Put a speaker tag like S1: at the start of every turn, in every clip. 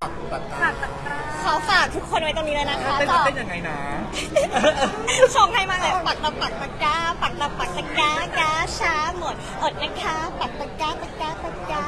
S1: เขาฝากทุกคนไว้ตรงนี้เลยนะคะ
S2: เต้นยังไงนะ
S1: ชงให้มากเลยปักตะปักตะกาปักตะปักตะกากาช้าหมดอดนะคะปักตะกาตะกาตะกา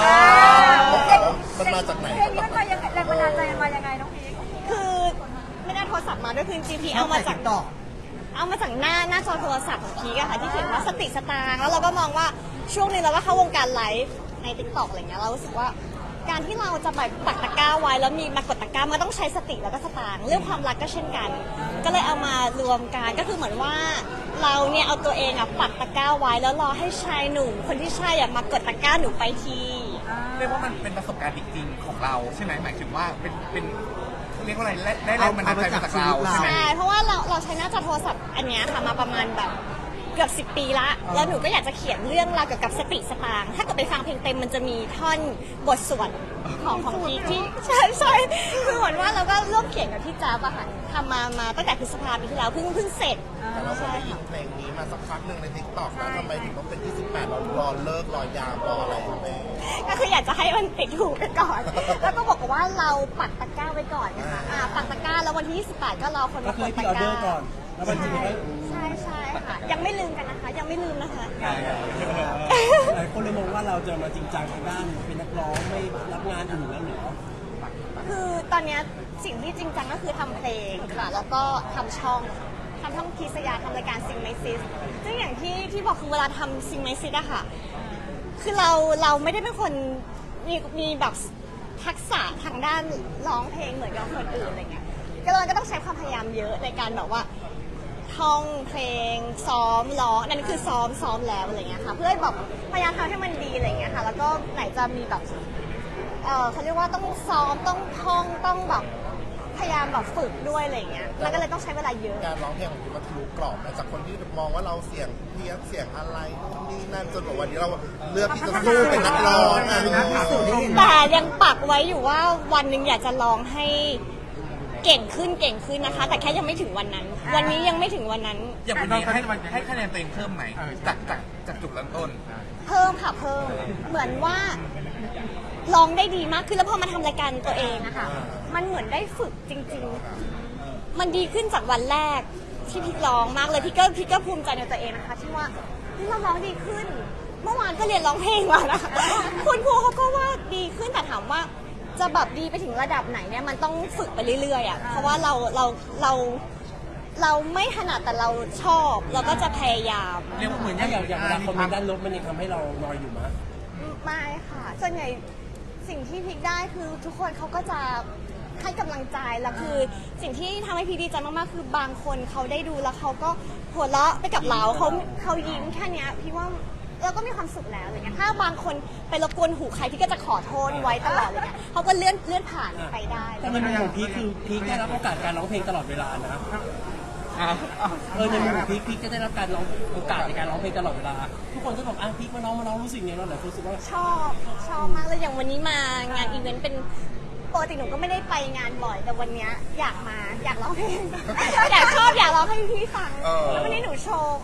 S3: มันมาจากไหน
S4: เพลงนี้มันมายังไงแรงบันดาลใจมันมายังไงน้องพีค
S1: คือไม่ได้โทรศัพท์มาด้วยคือจริงๆพี่เอามาจากหน้าจอโทรศัพท์ของพีกอะค่ะที่เขียนว่าสติสตางค์แล้วเราก็มองว่าช่วงนี้เราก็เข้าวงการไลฟ์ใน TikTok อะไรเงี้ยเรารู้สึกว่าการที่เราจะแบบปักตะกร้าไว้แล้วมีมากดตะกร้ามันต้องใช้สติแล้วก็สตางค์เรื่องความรักก็เช่นกัน ก็เลยเอามารวมกันก็คือเหมือนว่าเราเนี่ยเอาตัวเองอะปักตะกร้าไว้แล้วรอให้ชายหนุ่มคนที่ใช่อะมากดตะกร้าหนูไปที
S2: เรียกว่ามันเป็นประสบการณ์จริงๆของเราใช่ไหมหมายถึงว่าเป็นเรียกว่าอะไรได้แรงบันดาลใจมาจากเราใช่ไหม
S1: ใช่เพราะว่าเราใช้หน้าจอโทรศัพท์อันเนี้ยค่ะมาประมาณแบบเกือบ10 ปีละแล้วหนูก็อยากจะเขียนเรื่องราวเกี่ยวกับสติสตางค์ถ้าเกิดไปฟังเพลงเต็มมันจะมีท่อนบทสวดของพีคที่ใช่คือเหมือนว่าเราก็ร่วมเขียนกับพี่จ๊าบอะค่ะทำมาตั้งแต่พฤษภาคมปีที่แล้วเพิ่งเสร็จ
S3: แต่เราได้ยินเพลงนี้มาสักพักหนึ่งใน TikTok แล้วทำไมถึงต้องเป็น28เรารอเลิกรอยามรออะไรอยู่เลย
S1: ก็คืออยากจะให้มันติดหูไปก่อนแล้วก็บอกว่าเราปักตะกร้าไว้ก่อนนะคะปักตะกร้าแล้ววันที่28ก็รอคนมากดตะกร้า
S5: ก่อนแล้วมันจะ
S1: ใช่ค่ะยังไม่ลืมกันนะคะยังไม่ลืมนะคะ
S5: หลายคนเลยมองว่าเราจะมาจริงจังทางด้านเป็นนักร้องไม่รับงานอื่นแล้วหรอ
S1: คือตอนนี้สิ่งที่จริงจังก็คือทำเพลงค่ะแล้วก็ทำช่องคีสยาทำรายการซิงไมซิสซึ่งอย่างที่บอกคือเวลาทำซิงไมซิสอะค่ะคือเราไม่ได้เป็นคนมีแบบทักษะทางด้านร้องเพลงเหมือนกับคนอื่นอะไรเงี้ยก็เราก็ต้องใช้ความพยายามเยอะในการแบบว่าท่องเพลงซ้อมร้องนั่นคือซ้อมแล้วอะไรเงี้ยค่ะเพื่อแบบพยายามทำให้มันดีอะไรเงี้ยค่ะแล้วก็ไหนจะมีแบบเขาเรียกว่าต้องซ้อมต้องท่องต้องแบบพยายามแบบฝึกด้วยอะไรเงี้ยแล้วก็เลยต้องใช้เวลาเยอะ
S3: การร้องเพลงของคุณมันทะลุกรอบมาจากคนที่มองว่าเราเสียงเพี้ยนเสียงอะไรนู่นนี่นั่นจนบอกวันนี้เราเลือกที่จะสู้เป็นนักร้อง
S1: แต่ยังปักไว้อยู่ว่าวันหนึ่งอยากจะร้องให้เก่งขึ้นนะคะแต่แค่ยังไม่ถึงวันนั้น วันนี้ยังไม่ถึงวันนั้น
S2: อย่างวันนี้ให้คะแนนตัวเองเพิ่มไหมจากจุดเริ่มต้น
S1: เพิ่มค่ะเพิ่มเหมือนว่าร้องได้ดีมากขึ้นแล้วพอมาทำรายการตัวเองอะค่ะมันเหมือนได้ฝึกจริงๆมันดีขึ้นจากวันแรกที่พี่ร้องมากเลยพี่ก็ภูมิใจในตัวเองนะคะที่ว่าเราร้องดีขึ้นเมื่อวานก็เรียนร้องเพลงมานะคะคุณครูเขาก็ว่าดีขึ้นแต่ถามว่าจะแบบดีไปถึงระดับไหนเนี่ยมันต้องฝึกไปเรื่อยๆอะเพราะว่าเราไม่ถนัดแต่เราชอบเราก็จะพยายาม
S5: เรียกว่าเหมือนอย่างเวลาคอมเมนต์ด้านลบมันยังทำให้เรานอยอยู่มั้ย
S1: ไม่ค่ะส่วนใหญ่สิ่งที่พีคได้คือทุกคนเขาก็จะให้กำลังใจแล้วคือสิ่งที่ทำให้พีคดีใจมากๆคือบางคนเขาได้ดูแล้วเขาก็หัวเราะไปกับเราเขายิ้มแค่นี้พี่ว่าเราก็มีความสุขแล้วอะไรเงี้ยถ้าบางคนไปรบกวนหูใครพี่ก็จะขอโทษไว้ตลอดเลยเนี่ยเขาก็เลื่อนผ่านไปได้
S5: แต่ในมุมของพีคคือพีคได้รับโอกาสการร้องเพลงตลอดเวลานะในมุมของพีคจะได้รับการร้องโอกาสในการร้องเพลงตลอดเวลาทุกคนก็บอกพีคมาร้องรู้สึกไงเราหลายคนรู้สึกว่า
S1: ชอบมากเลยอย่างวันนี้มางานอีเวนต์เป็นปกติหนูก็ไม่ได้ไปงานบ่อยแต่วันนี้อยากร้องเพลงอยากร้องให้พี่ฟังแล้ววันนี้หนูโชว์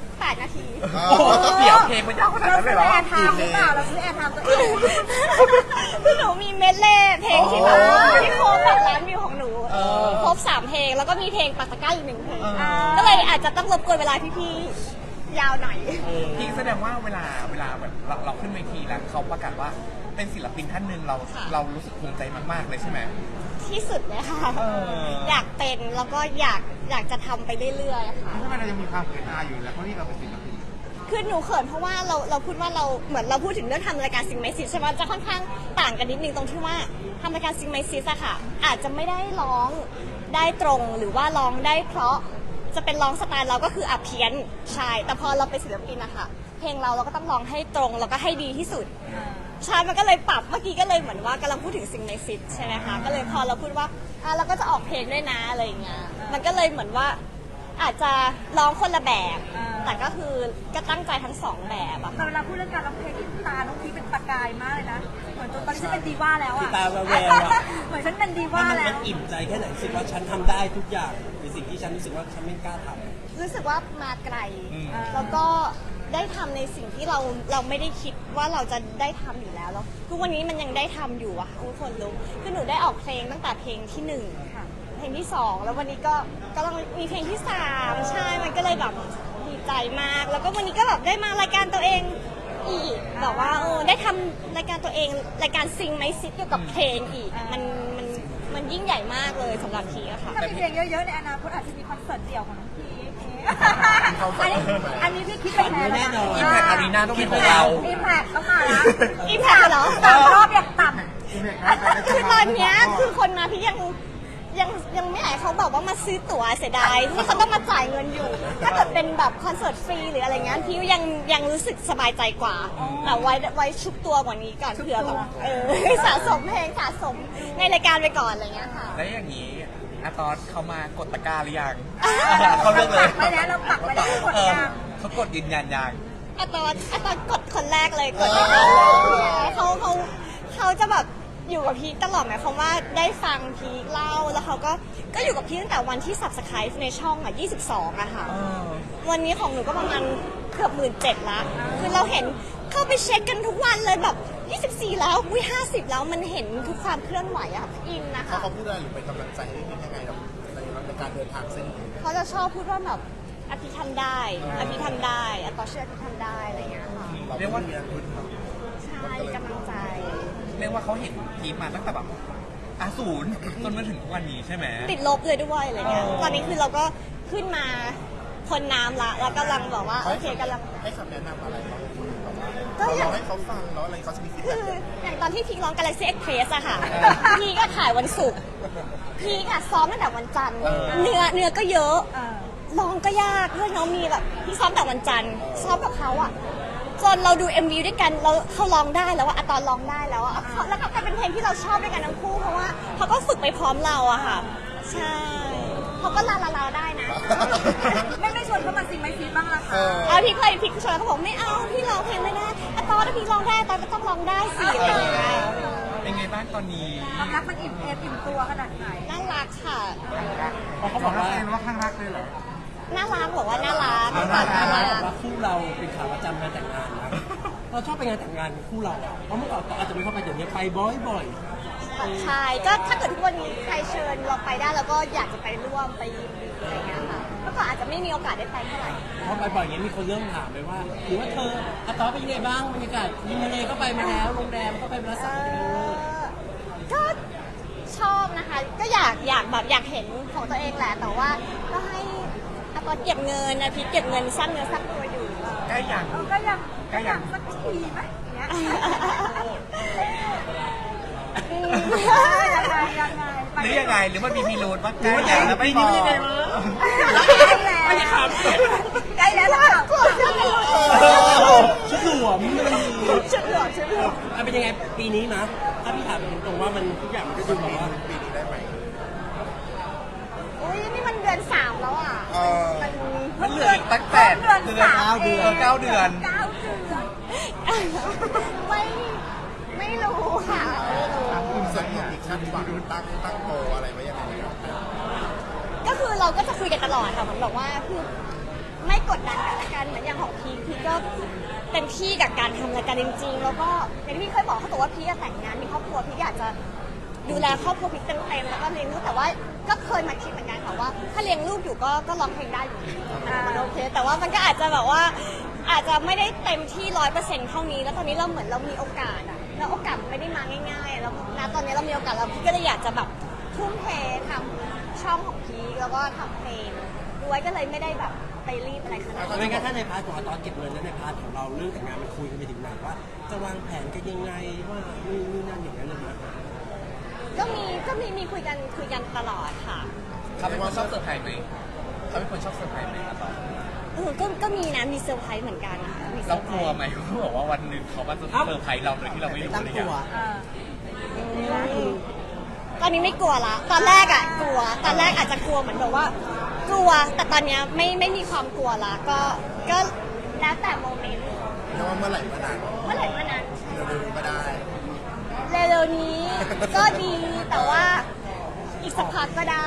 S1: 8 นาที
S2: เดี๋ยวเพลงมันยาวขนาดนั้นเลยเหรอ
S4: เราซื้อแอร์ไทม์หรือเปล่าเราซื้อแอร์ไทม์ตัวเอง
S1: คือหนูมีเมดเล่เพลงที่แบบที่โครบแบบล้านวิวของหนูครบ3 เพลงแล้วก็มีเพลงปักตะกร้าอีก1 เพลงก็เลยอาจจะต้องรบกวนเวลาพี่ๆยาวหน่อย
S2: พี่แสดงว่าเวลาแบบเราขึ้นเวทีแล้วเขาประกาศว่าเป็นศิลปินท่านหนึ่งเรารู้สึกภูมิใจมากๆเลยใช่ไหม
S1: ที่สุดเลยค่ะอยากเป็นแล้วก็อยากจะทำไปเรื่อยๆค่ะ
S2: ทำไมเรายังมีความเขินอายอยู่แล้วเพราะนี่เราเป็นศิลปิน
S1: คือหนูเขินเพราะว่าเราพูดว่าเราเหมือนเราพูดถึงเรื่องทำรายการซิงไมซิสใช่ไหมจะค่อนข้างต่างกันนิดนึงตรงที่ว่าทำรายการซิงไมซิสอะค่ะอาจจะไม่ได้ร้องได้ตรงหรือว่าร้องได้เพราะจะเป็นร้องสไตล์เราก็คือเพี้ยนใช่แต่พอเราเป็นศิลปินนะคะเพลงเราก็ต้องร้องให้ตรงแล้วก็ให้ดีที่สุดใช่มันก็เลยปรับเมื่อกี้ก็เลยเหมือนว่ากำลังพูดถึงซิงไมซิสใช่ไหมคะก็เลยพอเราพูดว่าเราก็จะออกเพลงด้วยนะอะไรอย่างเงี้ยมันก็เลยเหมือนว่าอาจจะร้องคนละแบบแต่ก็คือก็ตั้งใจทั้ง2 แบบอะ
S4: แต่เวลาพูดเรื่องการร้องเพลงที่ตาน้องพีเป็นประกายมากเลยนะเหมือนตอนนี้ฉันเป็นดีว่าแล้วอะ
S5: ตาแวว
S4: เหมือนฉันเป็นดีว่าแล้ว
S5: มันอิ่มใจแค่ไหนรู้สึกว่าฉันทำได้ทุกอย่างในสิ่งที่ฉันรู้สึกว่าฉันไม่กล้าทำ
S1: รู้สึกว่ามาไกลแล้วก็ได้ทำในสิ่งที่เราไม่ได้คิดว่าเราจะได้ทำอยู่แล้วทุกวันนี้มันยังได้ทำอยู่อะทุกคนรู้คือหนูได้ออกเพลงตั้งแต่เพลงที่1เพลงที่2แล้ววันนี้ก็กำลังมีเพลงที่3ใช่มันก็เลยแบบดีใจมากแล้วก็วันนี้ก็แบบได้มารายการตัวเองอีกแบบว่าได้ทำรายการตัวเองรายการซิงไมซิสเกี่ยวกับเพลงอีกมันยิ่งใหญ่มากเลยสำหรับพีอะค่ะ
S4: ถ้ามีเพลงเยอะๆในอนาคตอาจจะมีคอนเสิร์ตเดี่ยวของน้องพีอันนี้พี่คิดไปแล้ว
S5: แน่นอน
S2: อิมแพคอารีนาต้องเป็นของเรา
S4: อิมแพคต้องมาละ
S1: อิมแพคเหรอ
S4: 3 รอบอย่างต่
S1: คือตอนเนี้ยคือคนมาพี่ยังไม่อยากให้เขาบอกว่ามาซื้อตั๋วเสียดายที่เขาต้องมาจ่ายเงินอยู่ ถ้าเกิดเป็นแบบคอนเสิร์ตฟรีหรืออะไรเงี้ยพี่ยังรู้สึกสบายใจกว่าแต่ไว้ชุบตัวกว่านี้ก่อนเผื่อแบบสะสมเพลงสะสมในรายการไปก่อนอะไรเงี้ยค่ะ
S2: แล้วอย่างนี้อาตอนเขามากดตะกร้าหรือยัง
S4: ำ
S2: เขาเลือกเลย
S4: ไปแล้วเราปักไปแล้วกดยัง
S2: เขากดยืนยันยัง
S1: อะตอนกดคนแรกเลยกดเขาจะแบบอยู่กับพีคตลอดหมายความว่าได้ฟังพีคเล่าแล้วเขาก็อยู่กับพีคตั้งแต่วันที่ subscribe ในช่องอ่ะ22อะค่ะวันนี้ของหนูก็ประมาณเกือบ17,000ละคือเราเห็นเข้าไปเช็คกันทุกวันเลยแบบ24แล้วอุ้ย50แล้วมันเห็นทุกความเคลื่อนไหวอะค่ะอินนะคะ
S3: เขาพูดอะไรหรือเป็นกำลังใจให้พี่ยังไงในการเดินทางเส้นนี้
S1: เขาจะชอบพูดว่าแบบอภิทำได้อภิทำได้อะต่อเชื่ออภิทำได้อะไรอย่างเงี้ยค่ะ
S2: เรียกว่า
S1: ใช่กำลังใจ
S2: เรียกว่าเขาเห็นทีมมาตั้งแต่แบบศูนย์จนมาถึงทุกวันนี้ใช่ไหม
S1: ติดลบเลยด้วยอะไรเงี้ย ตอนนี้คือเราก็ขึ้นมาพ้นน้ำละแล้วกำลังบอกว่าโอเคกำลัง
S3: ให้คำแนะนำอะไรบ้าง
S1: ก็อย่าง
S3: เราให้เขาฟังแล้วอะไรเขาจะมีฟีด
S1: คื
S3: แบ็ก
S1: ออย่างตอนที่พีคร้อง Galaxy Express อะค่ะ พี่ก็ถ่ายวันศุกร์พี่ก็ซ้อมตั้งแต่วันจันทร์เนื้อก็เยอะร้องก็ยากเพื่อนน้องมีแบบพี่ซ้อมแต่วันจันทร์ซ้อมกับเขาอะจนเราดู MV ด้วยกันแล้วเขาร้องได้แล้วอะตอนร้องได้แล้วอะแล้วก็กลายเป็นเพลงที่เราชอบด้วยกันทั้งคู่เพราะว่าเขาก็ฝึกไปพร้อมเราอะค่ะ ใช่เขาก็ลาได้นะ
S4: ไม่ชวนเขามาซิงไม่ซีบ้างล่ะคะ
S1: พี่เคยพี่ชวนเขาบอกไม่เอาพี่ร้องเพลงไม่ได้ตอนถ้าพี่ร้องได้ตอนก็ต้องร้องได้สิอะไรอย่างเงี้ย
S2: เป็นไงบ้างตอนนี้
S4: ความรักมันอิ่มตัวขนาดไหน
S1: น่ารักค่ะ
S2: เขาบอกว่าข้างรักเลยเหรอ
S1: น่ารักบอกว่าน่ารัก
S5: ถ้า
S1: น่า
S5: ถ้า
S1: รั
S5: เรา
S1: ก
S5: บอกว่าคู่เราเป็นขาประจำงานแต่งงานนะเราชอบไปงานแต่งงานคู่เราอะเพราะเมื่อก่อนอาจจะไม่เข้าไปเดี๋ยวนี้ไปบ่อย
S1: ใช่ก็ถ้าเกิดทุกวันนี้ใครเชิญเราไปได้เราก็อยากจะไปร่วมไปยินดีอะไรเงี้ยค่ะเมื่อก่อนอาจจะไม่มีโอกาสได้ไปเท่าไหร่
S5: ๆเพราะไปบ่อยอย่างนี้มีคนเริ่มถามไปว่าหรือว่าเธออาตอเป็นยังไงบ้างบรรยากาศริมทะเลก็ไปมาแล้วโรงแรมก็ไปมาแล้วสัก
S1: ก็ชอบนะคะ ก็อยากแบบอยากเห็นของตัวเองแหละแต่ว่าก็ให้อาตอนเก็บเงินนะพี่เก็บเงินสร้างเนื้อสร้างตัวอยู่
S2: ใกล้ยัง
S4: ก็ยังสักทีไหมอย่างเงี้ยยังไง
S2: หรือยังไงหรือมันมีพิรุธว่าใกล้แล้วแล้วไม่บอก
S4: ใกล้แล้วใกล้แล้ว
S1: กลัวเชื่อกันเลย
S5: ชุดหลวมมันดี
S1: ชุดเหลืองชุดเหลือง
S5: เป็นยังไงปีนี้นะถ้าพี่ถามตรงๆว่ามันทุกอย่างมันก็ดูแบบว่า
S3: ปีนี้ได้ไหม
S1: อุ้ยนี่มันเดือน3แล้วอ่ะมัน
S2: มันเหลืออีกตั้งแต่เดือน9 เดือน
S1: ไม่รู้ค่ะไม่รู้
S3: ส่วนของอีกชั้นหวังตั้งโตอะไรไว้ยังไงครับ
S1: ก็คือเราก็จะคุยกันตลอดค่ะเหมือนบอกว่าคือไม่กดดันกันละกันเหมือนอย่างของพีคก็เต็มที่กับการทำรายการจริงๆแล้วก็อย่างที่พี่เคยบอกเขาบอกว่าพีคแต่งงานมีครอบครัวพีคอยากจะดูแลครอบครัวพีคเต็มๆแล้วก็เลี้ยงลูกแต่ว่าก็เคยมาคิดเหมือนกันค่ะว่าถ้าเลี้ยงลูกอยู่ก็ร้องเพลงได้อยู่มันโอเคแต่ว่ามันก็อาจจะแบบว่าอาจจะไม่ได้เต็มที่100%เท่านี้แล้วตอนนี้เราเหมือนเรามีโอกาสอะแล้วโอกาสมันไม่ได้มาง่ายๆแล้วณตอนนี้เรามีโอกาสแล้วพี่ก็เลยอยากจะแบบทุ่มเททำช่องของพีคแล้วก็ทำเพลงด้วยก็เลยไม่ได้แบบไปรีบอะไรขนาดนั้น
S5: ไม่งั้นถ้าในพาร์ทของอาตอนเก็บเงินและในพาร์ทของเราเรื่องแต่งงานมันคุยกันไปถึงไหนว่าจะวางแผนกันยังไงว่านี่นั่นอย่างนั้นเลยนะ
S1: ก็มีคุยกันตลอดค่ะ
S2: เขาเป็นคนชอบเซอร์ไพรส์ไหมเขาเป็นคนชอบเซอร์ไพรส์ไหมครับตอน
S1: ก็มีนะมีเซอร์ไพรส์เหมือนกันนะคะมีเซ
S2: เรา
S1: อร์ไพ
S2: ก
S1: ร
S2: ลัว
S1: ส์
S2: ไหมเขาบอกว่าวันหนึ่งเขามาจะเซอร์ไพรส์เราโดยที่เราไม่รู้เลยอย่าง
S1: ตอนนี้ไม่กลัวละตอนแรกอะกลัวตอนแรกอาจจะกลัวเหมือนแบบว่ากลัวแต่ตอนเนี้ยไม่มีความกลัวละก็แล้วแต่โมเมนต์
S3: เรียกว่าเมื่อไหร่เมื่อนาน
S1: เมื่อไหร่เมื่อนั้น
S3: เร็วๆก็ได้
S1: เร็วๆนี้ก็ดีแต่ว่าอีกสักพักก็ได้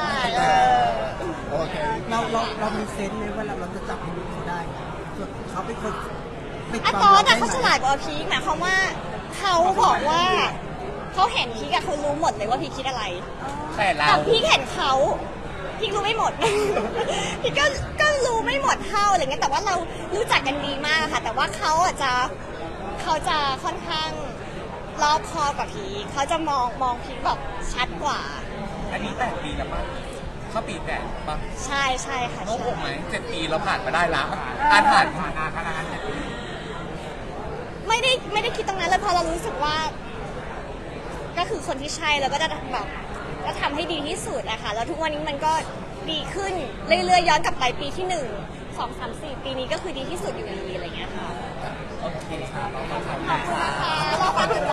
S3: โอเค
S6: เรามีเซนส์ไหมว่าเราจะจับให้ลูกเขาได้ส่วนเขาเป็นคน
S1: อะตอนน่ะเขาฉลาดกว่าพีคหมายความว่าเขาบอกว่าเขาเห็นพีคอะเขารู้หมดเลยว่าพีคคิดอะไร
S2: แต่เรา
S1: แต่พีคเห็นเขาพีครู้ไม่หมด พีคก็รู้ไม่หมดเท่าอะไรเงี้ยแต่ว่าเรารู้จักกันดีมากค่ะ แต่ว่าเขาจะค่อนข้างรอบคอบกว่าพีคเขาจะมองพีคแบบชัดกว่า
S2: อันนี้8 ปีแล้วป่ะเข้าปี8ป่ะ
S1: ใช่ค่ะ
S2: โอ้โห
S1: ใช่
S2: ไหม7 ปีเราผ่านมาได้แล้วผ่านขนาดนั้น7 ปี
S1: ไม่ได้คิดตรงนั้นเลยเพราะเรารู้สึกว่า ก็คือคนที่ใช่แล้วก็จะแบบก็ทำให้ดีที่สุดอะค่ะแล้วทุกวันนี้มันก็ดีขึ้นเรื่อยๆย้อนกลับไปปีที่1 2 3 4 ปีนี้ก็คือดีที่สุดอยู่ดีอะไรเงี้ยค่ะ
S2: โอเคค่ะ
S1: ขอบคุณค่ะ